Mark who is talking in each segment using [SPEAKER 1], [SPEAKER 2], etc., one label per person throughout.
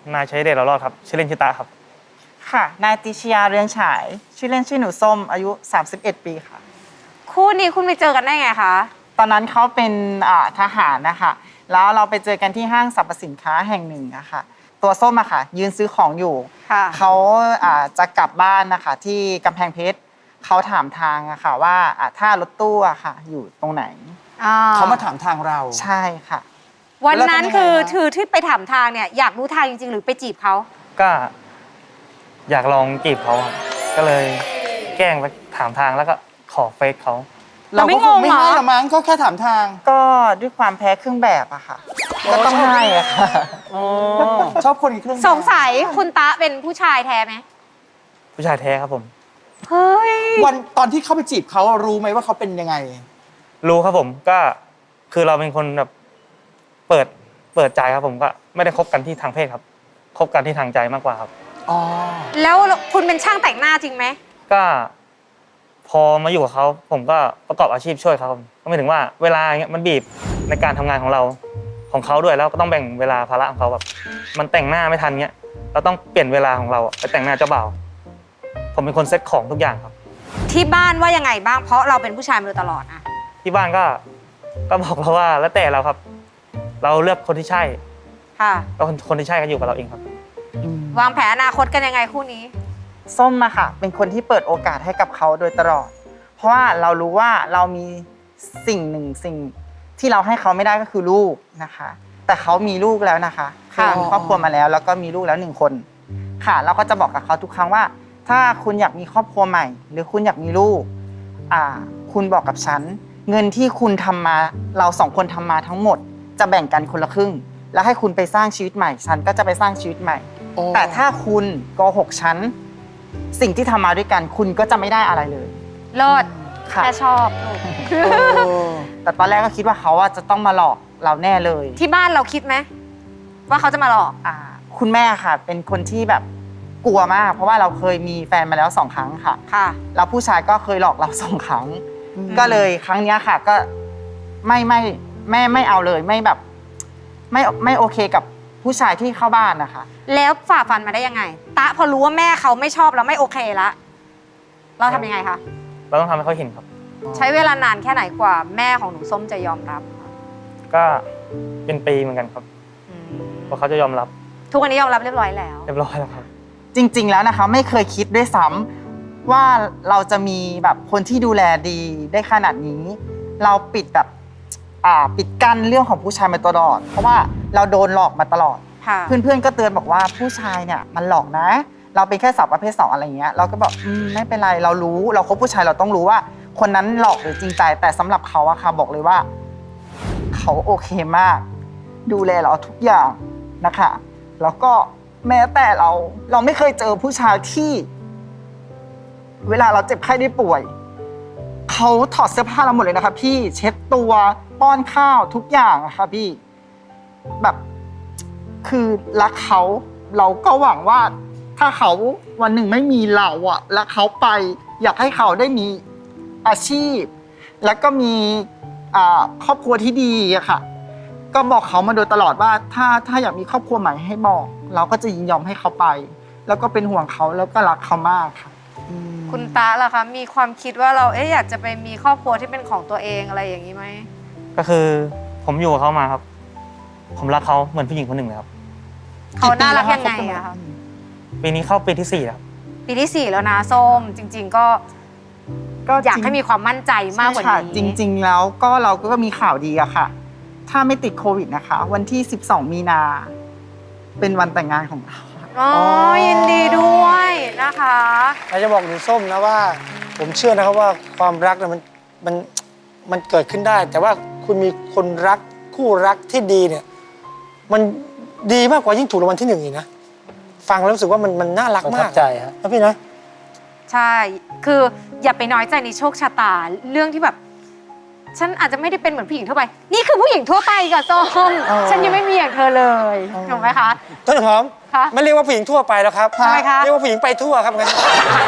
[SPEAKER 1] นายชัยเดชเรารอดครับชื่อเล่นชื่อตาครับ
[SPEAKER 2] ค่ะนายติชยาเรืองฉายชื่อเล่นชื่อหนูส้มอายุ31 ปีค่ะ
[SPEAKER 3] คู่นี้คุณไปเจอกันได้ไงคะ
[SPEAKER 2] ตอนนั้นเขาเป็นทหารนะคะแล้วเราไปเจอกันที่ห้างสรรพสินค้าแห่งหนึ่งนะคะตัวส้มอะค่ะยืนซื้อของอยู่เขาจะกลับบ้านนะคะที่กำแพงเพชรเขาถามทางอะค่ะว่าถ้ารถตู้อะค่ะอยู่ตรงไหน
[SPEAKER 4] เขามาถามทางเรา
[SPEAKER 2] ใช่ค่ะ
[SPEAKER 3] วันนั้นคือที่ไปถามทางเนี่ยอยากรู้ทางจริงๆหรือไปจีบเขา
[SPEAKER 1] ก็อยากลองจีบเขาก็เลยแกล้งไปถามทางแล้วก็ขอเฟซเขา
[SPEAKER 3] เราไม่งงเหรอ
[SPEAKER 4] ไม่ให้หรอมั้งก็แค่ถามทาง
[SPEAKER 2] ก็ด้วยความแพ้เครื่องแบบอะค่ะก็ต้องให้อะค่ะ
[SPEAKER 4] ชอบคนอีกเครื่อง
[SPEAKER 3] สงสัยคุณตะเป็นผู้ชายแท้ไหม
[SPEAKER 1] ผู้ชายแท้ครับผม
[SPEAKER 3] เฮ้ย
[SPEAKER 4] วันตอนที่เข้าไปจีบเขารู้ไหมว่าเขาเป็นยังไง
[SPEAKER 1] รู้ครับผมก็คือเราเป็นคนแบบเปิดใจครับผมก็ไม่ได้คบกันที่ทางเพศครับคบกันที่ทางใจมากกว่าครับ
[SPEAKER 4] อ๋อ
[SPEAKER 3] แล้วคุณเป็นช่างแต่งหน้าจริงไหม
[SPEAKER 1] ก็พอมาอยู่กับเขาผมก็ประกอบอาชีพช่วยเขาก็หมายถึงว่าเวลาเงี้ยมันบีบในการทำงานของเราของเขาด้วยแล้วก็ต้องแบ่งเวลาภาระของเขาแบบมันแต่งหน้าไม่ทันเงี้ยเราต้องเปลี่ยนเวลาของเราไปแต่งหน้าเจ้าบ่าวผมเป็นคนเซ็ตของทุกอย่างครับ
[SPEAKER 3] ที่บ้านว่ายังไงบ้างเพราะเราเป็นผู้ชายมาโดยตลอดอะ
[SPEAKER 1] ที่บ้านก็บอกเราว่าแล้วแต่เราครับเราเลือกคนที่ใช่
[SPEAKER 3] ค่ะ
[SPEAKER 1] ก็คนที่ใช่ก็อยู่กับเราเองครับ
[SPEAKER 3] วางแผนอนาคตกันยังไงคู่นี้
[SPEAKER 2] ส้มอะค่ะเป็นคนที่เปิดโอกาสให้กับเขาโดยตลอดเพราะว่าเรารู้ว่าเรามีสิ่งหนึ่งสิ่งที่เราให้เขาไม่ได้ก็คือลูกนะคะแต่เขามีลูกแล้วนะคะคือมีครอบครัวมาแล้วแล้วก็มีลูกแล้ว1 คนค่ะเราก็จะบอกกับเขาทุกครั้งว่าถ้าคุณอยากมีครอบครัวใหม่หรือคุณอยากมีลูกคุณบอกกับฉันเงินที่คุณทำมาเรา2 คนทำมาทั้งหมดจะแบ่งกันคนละครึ่งแล้วให้คุณไปสร้างชีวิตใหม่ฉันก็จะไปสร้างชีวิตใหม่แต่ถ้าคุณโกหกฉันสิ่งที่ทำมาด้วยกันคุณก็จะไม่ได้อะไรเลย
[SPEAKER 3] เลิศแค่ชอบ
[SPEAKER 2] แต่ตอนแรกก็คิดว่าเขาจะต้องมาหลอกเราแน่เลย
[SPEAKER 3] ที่บ้านเราคิดไหมว่าเขาจะมาหลอก
[SPEAKER 2] คุณแม่ค่ะเป็นคนที่แบบกลัวมากเพราะว่าเราเคยมีแฟนมาแล้ว2 ครั้งค่ะแล้วผู้ชายก็เคยหลอกเรา2 ครั้งก็เลยครั้งนี้ค่ะก็ไม่เอาเลยไม่แบบไม่โอเคกับผู้ชายที่เข้าบ้านนะคะ
[SPEAKER 3] แล้วฝ่าฟันมาได้ยังไงตะพอรู้ว่าแม่เขาไม่ชอบแล้วไม่โอเคละเราทำยังไงคะ
[SPEAKER 1] เราต้องทำให้เขาเห็นครับ
[SPEAKER 3] ใช้เวลานานแค่ไหนกว่าแม่ของหนูส้มจะยอมรับ
[SPEAKER 1] ก็เป็นปีเหมือนกันครับเพราะเขาจะยอมรับ
[SPEAKER 3] ทุกวันนี้ยอมรับเรียบร้อยแล้ว
[SPEAKER 1] ครับ
[SPEAKER 2] จริงๆแล้วนะคะไม่เคยคิดด้วยซ้ำว่าเราจะมีแบบคนที่ดูแลดีได้ขนาดนี้เราปิดแบบปิดกั้นเรื่องของผู้ชายมาตลอดเพราะว่าเราโดนหลอกมาตลอดเพื่อนๆก็เตือนบอกว่าผู้ชายเนี่ยมันหลอกนะเราเป็นแค่สาวประเภท2อะไรเงี้ยเราก็บอกไม่เป็นไรเรารู้เราคบผู้ชายเราต้องรู้ว่าคนนั้นหลอกหรือจริงใจแต่สำหรับเขาอะค่ะบอกเลยว่าเขาโอเคมากดูแลเราทุกอย่างนะคะแล้วก็แม้แต่เราไม่เคยเจอผู้ชายที่เวลาเราเจ็บไข้ได้ป่วยเขาถอดเสื้อผ้าเราหมดเลยนะคะพี่เช็ดตัวป้อนข้าวทุกอย่างอะค่ะพี่แบบคือรักเขาเราก็หวังว่าถ้าเขาวันหนึ่งไม่มีเราอะแล้วเขาไปอยากให้เขาได้มีอาชีพแล้วก็มีครอบครัวที่ดีอะค่ะก็บอกเขามาโดยตลอดว่าถ้าอยากมีครอบครัวใหม่ให้บอกเราก็จะยินยอมให้เขาไปแล้วก็เป็นห่วงเขาแล้วก็รักเขามากค่ะ
[SPEAKER 3] คุณตาล่ะคะมีความคิดว่าเราอยากจะไปมีครอบครัวที่เป็นของตัวเองอะไรอย่างนี้ไหม
[SPEAKER 1] ก็คือผมอยู่กับเขามาครับผมรักเขาเหมือนผู้หญิงคนหนึ่งเลยครับ
[SPEAKER 3] เขาน่ารักยังไงอะคะ
[SPEAKER 1] ปีนี้เข้าปีที่4แล้ว
[SPEAKER 3] ปีที่4แล้วนะส้มจริงๆก็อยากให้มีความมั่นใจมากกว่านี้
[SPEAKER 2] จริงๆแล้วก็เราก็มีข่าวดีอะค่ะถ้าไม่ติดโควิดนะคะวันที่12 มีนาเป็นวันแต่งงานของเรา
[SPEAKER 3] ยินดีด้วยนะคะ
[SPEAKER 4] อยากจะบอกหนูส้มนะว่าผมเชื่อนะครับว่าความรักเนี่ยมันเกิดขึ้นได้แต่ว่าคุณมีคนรักคู่รักที่ดีเนี่ยมันดีมากกว่ายิ่งถูกรางวัลที่1อีกนะฟังแล้วรู้สึกว่ามันน่ารักมาก
[SPEAKER 5] ใจครับ
[SPEAKER 4] พี่นะ
[SPEAKER 3] ใช่คืออย่าไปน้อยใจในโชคชะตาเรื่องที่แบบฉันอาจจะไม่ได้เป็นเหมือนผู้หญิงทั่วไปนี่คือผู้หญิงทั่วไปกับส้มฉันยังไม่มีอย่างเธอเลยถูกไหมคะ
[SPEAKER 4] ต้นหอมไม่เรียกว่าผู้หญิงทั่วไปแล้วครับ
[SPEAKER 3] ทำไมคะ
[SPEAKER 4] เรียกว่าผู้หญิงไปทั่วครับงั้น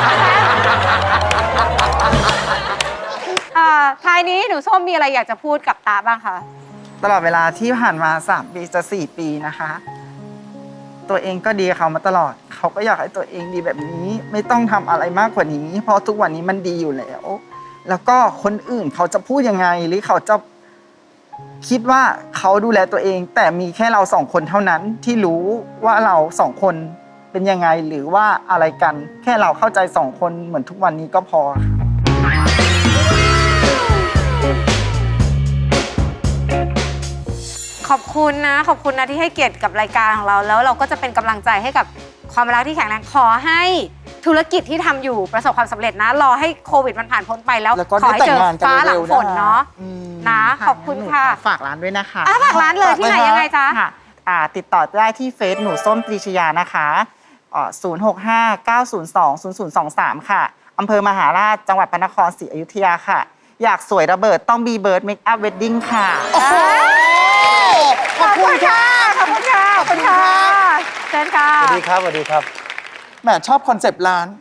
[SPEAKER 3] ท้ายนี้หนูส้มมีอะไรอยากจะพูดกับตาบ้างคะ
[SPEAKER 2] ตลอดเวลาที่ผ่านมา3 ปีจะ4 ปีนะคะตัวเองก็ดีกับเขามาตลอด เขาก็อยากให้ตัวเองดีแบบนี้ ไม่ต้องทำอะไรมากกว่านี้ เพราะทุกวันนี้มันดีอยู่แล้ว แล้วก็คนอื่นเขาจะพูดยังไงหรือเขาจะคิดว่าเขาดูแลตัวเอง แต่มีแค่เรา2 คนเท่านั้นที่รู้ว่าเรา2 คนเป็นยังไงหรือว่าอะไรกัน แค่เราเข้าใจ2 คนเหมือนทุกวันนี้ก็พอค่ะ
[SPEAKER 3] ขอบคุณนะขอบคุณนะที่ให้เกียรติกับรายการของเราแล้วเราก็จะเป็นกำลังใจให้กับความรักที่แข็งแรงขอให้ธุรกิจที่ทำอยู่ประสบความสำเร็จนะรอให้โควิดมันผ่านพ้นไปแล้ว
[SPEAKER 2] แล้วก็
[SPEAKER 3] ขอให้เจอ
[SPEAKER 2] ได้แต่งงานกัน
[SPEAKER 3] ฟ้าหลังฝน
[SPEAKER 2] เร็วๆนะคะ
[SPEAKER 3] เนาะ
[SPEAKER 2] อืม
[SPEAKER 3] นะขอบคุณค่ะ
[SPEAKER 2] หนูฝากร้านด้วยนะคะ
[SPEAKER 3] ฝากร้านเลยที่ไหนยังไงจ๊ะ
[SPEAKER 2] ค่ะติดต่อได้ที่เฟซหนูส้มปรีชยานะคะ065-902-0023 ค่ะอำเภอมหาราชจังหวัดพระนครศรีอยุธยาค่ะ อยากสวยระเบิดต้องบีเบิร์ดเมคอัพเวดดิ้งค่ะ
[SPEAKER 3] ขอบคุณค่ะขอบคุณค่ะขอบคุณค่ะเชิญค่ะ
[SPEAKER 4] สวัสดีครับ สวัสดีครับ
[SPEAKER 2] แหมชอบคอนเซปต์ร้าน